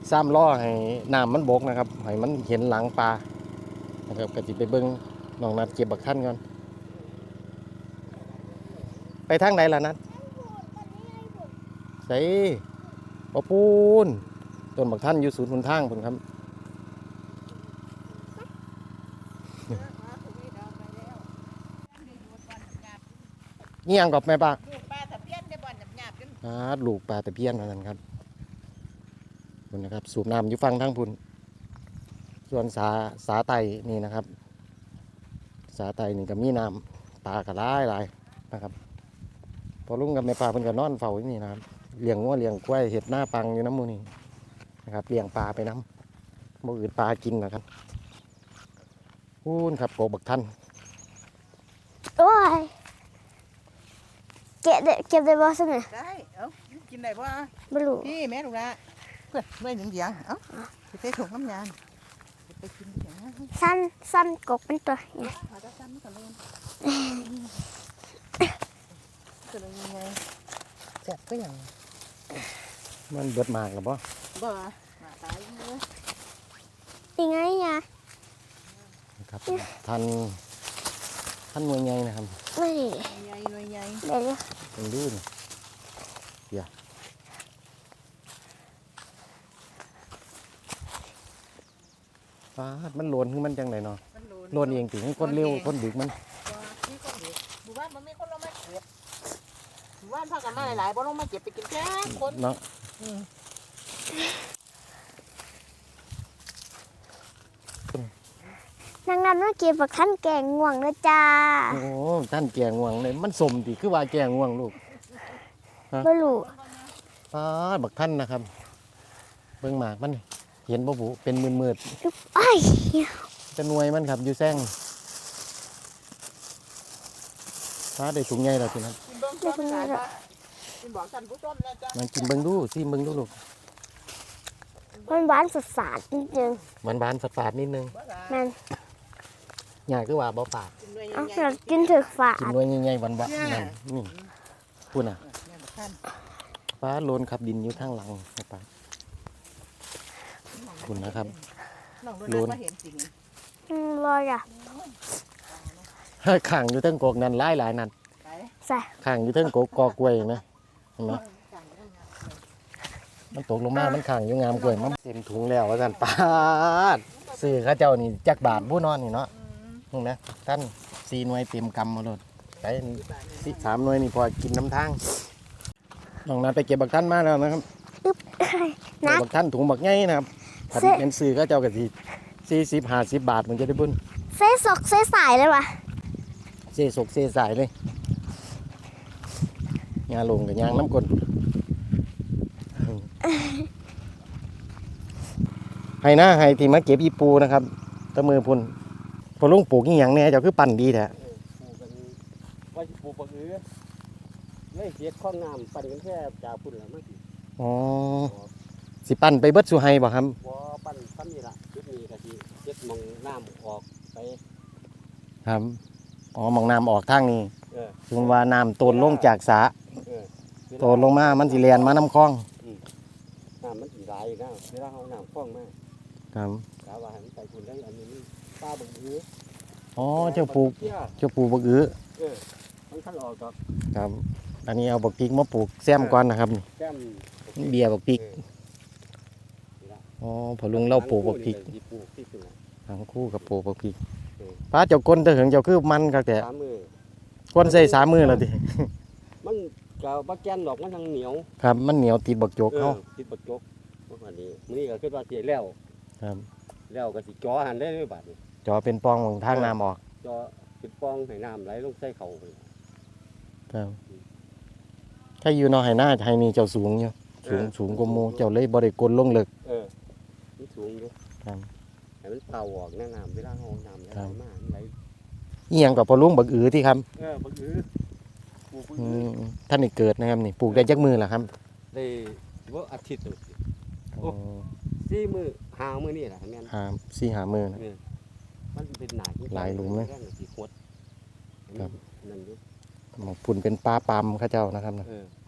ซ้ำล้อให้น้ำมันบกนะครับให้มันเห็นหลังปลานะครับก็สิไปเบิ่งน้องนัดเก็บบักท่านก่อนไปทางไหนล่ะนัดใส่ปะปูนต้นบักท่านอยู่ศูนย์หนทางพุ่นครับนี่ยังกับแม่ป้าลูกปลาตะเพียนได้บ่อนหยาบๆลูกปลาตะเพียนนั่นครับพุ่นนะครับสูบน้ำอยู่ฟังทางพุ่นส่วนสาไตนี่นะครับสาไตนี่ก็มีน้ำปลากระไรนะครับพอลุงกับแม่ปลาเพิ่นก็นอนเฝ้าอยู่นี่นะครับเลี้ยงงัวเลี้ยงกล้วยเห็ดหน้าปังอยู่น้ำมูนี่นะครับเลี้ยงปลาไปน้ำบ่อื่นปลากินนะครับพูนครับโกบักท่านโอ้ยเก็บได้บ่ซั่นน่ะได้เอ้ากินได้บ่บ่รู้พี่แม่ลูกละเพื่อนเมื่อยหยังเอ้าสิไปส่งน้ำยานไปกินหยังสั้นกกเป็นตัวเนี่ยเอาจะซ้ำกันเลยจะเป็นยังไงแซ่บก็ยังมันเบิดมากหรือเปล่าบ่มาตายเลยยังไงอ่ะนะครับท่านหน่วยใหญ่นะครับไม่ใหญ่หน่วยใหญ่เดี๋ยวเป็นดูนี่เดี๋ยวมันโลนขึ้นมันจังไหนเนาะโลนเองถึงคนเร็วคนดึกมันนี่คนดึกหมู่บ้านมันไม่คนลงมาเก็บหมู่บ้านพากันมาหลายๆบ่ลงมาเก็บไปกินแค่คนเนาะนางนั้นเมื่อกี้บอกท่านแกงง่วงเลยจ้าโอ้ท่านแกงง่วงเลยมันสมดีคือว่าแกงง่วงลูกไม่รู้บักท่านนะครับเบิ่งหมากมันเห็นบ่บุเป็นมืดไอ้จะหน่วยมันครับอยู่แซงได้ถุงใหญ่แล้วทีนั้นมันกินเบิ่งดูซิเบิ่งดูลูกมันหวานสดๆนิดนึงมันบานฝาดนิดนึงมันใหญ่คือว่าบ่ฝาดเรากินถึกฝาดกินด้วยใหญ่ๆหวานๆนี่พูดน่ะฟ้าโลนขับดินอยู่ข้างหลังนะครับคุณนะครับโลนลอยอ่ะขังอยู่ทั้งกกนั่นหลายนั่นขังอยู่ทั้งกกล้วยนะเห็นไหมมันตกลงมามันขังอยู่งามกล้วยมันเต็มถุงแล้วว่าสันปาดซื้อข้าเจ้านี่จักบาทผู้นอนนี่เนาะนี่นะท่าน4 หน่วยเต็มกำมาเลยใช้3 หน่วยนี่พอกินน้ำทางน้องนัดไปเก็บบักท่านมาแล้วนะครับบักท่านถุงบักใหญ่นะครับเป็นซื้อข้าเจ้ากับ40-50 บาทมันจะได้บุญเซ่สกเซ่สายเลยวะเซ่สกเซ่สายเลยยาลงกับยางน้ำกลนให้นะให้ที่มาเก็บอีปูนะครับตะมือพุ่นพอลุงปลูกนี่อย่างเนี้ยเจ้าคือปั่นดีแท้ว่าสิปลูกบักอื้อเลยเสียดข้องน้ำปั่นกันแค่จากพุ่นละมั้งอ๋อสิปั่นไปเบิดสุไฮบ่ครับบ่ปั่นซ้ำนี่ล่ะจุดนี้ก็สิเฮ็ดมองน้ำออกไปครับอ๋อมองน้ำออกทางนี้ถึงว่าน้ำต้นลงจากสระต้นลงมามันสิเลียนมาน้ำคลองน้ำมันสิไหลนะเวลาเอาน้ำคลองมาครับกะว่าให้มันไปพุ่นได้อันนี้ปลาบักอื้ออ๋อเจ้าปลูกบักอื้อมันคันออกดอกครับอันนี้เอาบักพริกมาปลูกแซมก่อนนะครับแซมเบียร์บักพริกอ๋อพอลุงเล่าปลูกบักพริกทั้งคู่กับปลูกบักพริกป้าเจ้าก้นเถึงเจ้าคือมันครับแต่ก้นใส่3 มือแล้วดิมันก็บักแกนดอกมันทั้งเหนียวครับมันเหนียวติดบักโจกเขาติดบักโจกวันนี้มื้อนี้ก็คิดว่าสิแล้วครับแล้วก็สิจ่อหันได้เลยบาดนี้จ่อเป็นปองของทางน้ำออกจ่อเป็นปองให้น้ำไหลลงใส่เขาครับถ้าอยู่นอให้หน้าให้นี่เจ้าสูงอยู่สูงกว่าหมู่เจ้าเลยบ่ได้กลลงเลิกมันสูงอยู่ครับให้มันเป่าออกน้ำเวลาเฮาน้ำไหลมาไหลอีหยังกับพอลุงบักอื้อที่ครับบักอื้อปลูกท่านนี่เกิดนะครับนี่ปลูกได้จักมือล่ะครับได้บ่อาทิตย์นึงโอ้4 มื้อ5 มื้อนี่ล่ะแม่น 4-5 มื้อนะมันเป็นหนาหลายหลุมเลยสิขดครับหมอกพุ่นเป็นปลาปามข้าเจ้านะครับนะ